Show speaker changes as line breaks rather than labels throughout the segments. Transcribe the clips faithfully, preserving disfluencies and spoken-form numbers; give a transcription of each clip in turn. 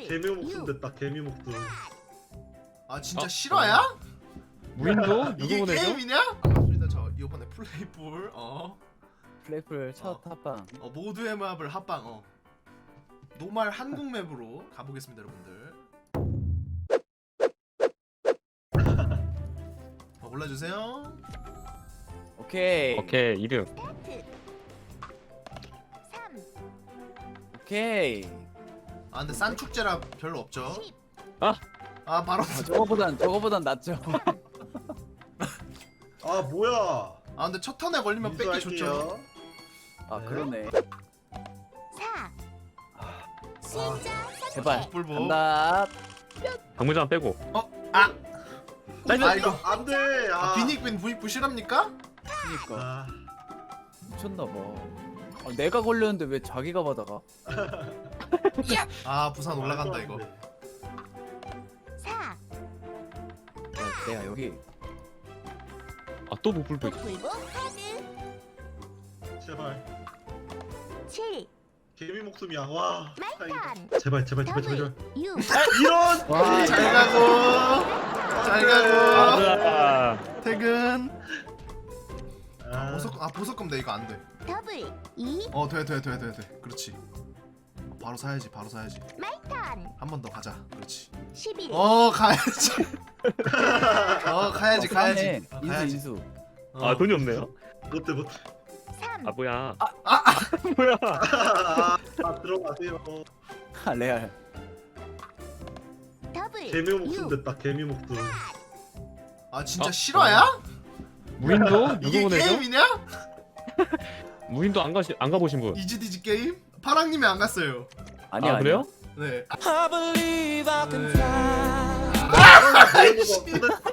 개미 목숨 됐다. 개미 목숨.
아 진짜
어?
실화야?
무인도
이게
누구 보내죠?
게임이냐? 반갑습니다. 저 이번에 플레이풀 어,
플레이풀 첫
어.
합방.
어 모두의 맵을 합방 어 노말 한국 맵으로 가보겠습니다 여러분들. 어, 골라주세요.
오케이.
오케이 이름.
오케이.
아 근데 싼 축제라 별로 없죠?
아!
아 바로
아, 저거보단 저거보단 낫죠.
아 뭐야?
아 근데 첫 턴에 걸리면 뺏기 좋죠.
아
네.
그러네.
아,
제발.
뿔보.
간다.
방문장 빼고.
어? 아! 아 이거
안돼. 아.
아, 비닉빈 부익부 실합니까?
그니까
아,
미쳤나 봐. 아, 내가 걸렸는데 왜 자기가 받아가?
아 부산 올라간다 이거.
야, 내가 여기
아또 무불도 있어.
제발.
칠,
개미 목숨이야. 와. 다행이다.
말탄,
제발 제발 제발 제발. 제발.
육,
이런.
와,
잘 가고 잘 가고
맞아.
퇴근.
아,
보석 아 보석금 내 이거 안 돼.
더블, 이,
어 돼 돼 돼 돼 돼. 그렇지. 바로 사야지 바로 사야지.
말탄,
한 번 더 가자. 그렇지.
십일,
어 가야지. 어 가야지
어,
가야지.
싸네.
어,
인수
가야지.
인수.
어.
아 돈이 없네요.
못해 못해.
삼,
아 뭐야?
아, 아.
뭐야?
아, 아 들어가세요.
아 레알.
더블,
개미 목숨
육,
됐다. 개미 목숨.
아 진짜
어?
실화야?
무인도 누구
이게
보내죠?
게임이냐?
무인도 안 가시 안 가보신 분?
이지디지 게임? 파랑님이 안 갔어요.
아니야.
아 그래요?
네.
I believe I can
네.
fly.
아이씨.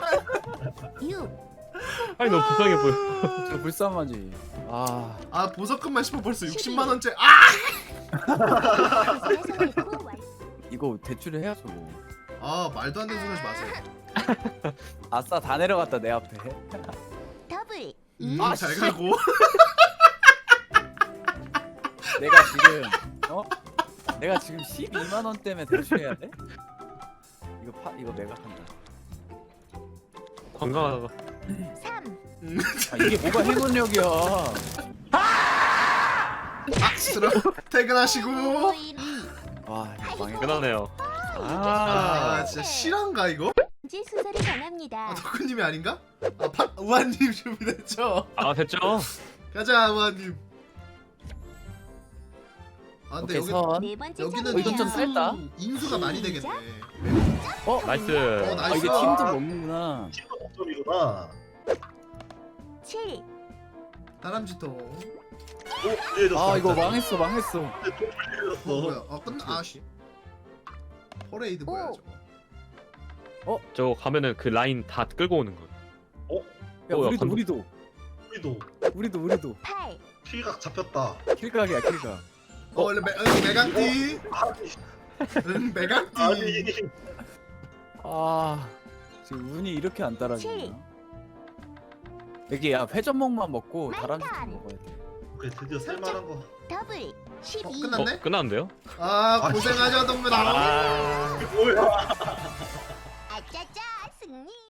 육,
아니 너무 불쌍해 보여.
아니야. 저 불쌍하지. 아,
아 보석금만 싶어 벌써 육십만 원째. 아!
계속 읽고 완-
이거 대출을 해야죠. 뭐.
아 말도 안 되는 소리 하지 마세요.
아싸 다 내려갔다 내 앞에.
더블, 이,
음, 잘 가고.
내가 지금 어? 내가 지금 십이만 원 때문에 대출해야 돼? 이거 파 이거 매각한다.
건강하다가.
삼,
아, 이게 뭐가 행운력이야.
아 들어. 퇴근하시고.
일,
와 이거 망했다.
끝나네요.
아
아.
진짜 실화인가 이거?
지 수설이
아
변합니다.
덕후님이 아닌가? 아 파, 우한님 준비됐죠?
아 됐죠?
가자 우한님. 아 근데
오케이
여기
선.
네 번째
여기는
어, 이건 좀
차례예요.
짧다.
인수가 많이 되겠네.
어?
나이스.
어,
아
나이스.
이게 팀도 먹는구나.
친구 목숨이구나.
칠,
다람쥐통.
오, 이해졌어.
아 이거 망했어 망했어.
어 뭐야? 아 끝나. 아씨. 퍼레이드 뭐야
오.
저거?
저 가면은 그 라인 다 끌고 오는 거.
야
어,
우리도
약간-
우리도
우리도
우리도 우리도
팔,
피각 잡혔다.
킬각이야 킬각.
어 원래 메, 응, 메강띠.
아니
응 메강띠.
아니.
아 지금 운이 이렇게 안
칠.
따라주나? 여기 야 회전목만 먹고
말탄.
다람쥐 좀 먹어야 돼.
오케이 드디어 쓸만한 거.
더블,
어,
십이,
끝났네?
어 끝났는데요?
아 고생하셨습니다.
아.
뭐야?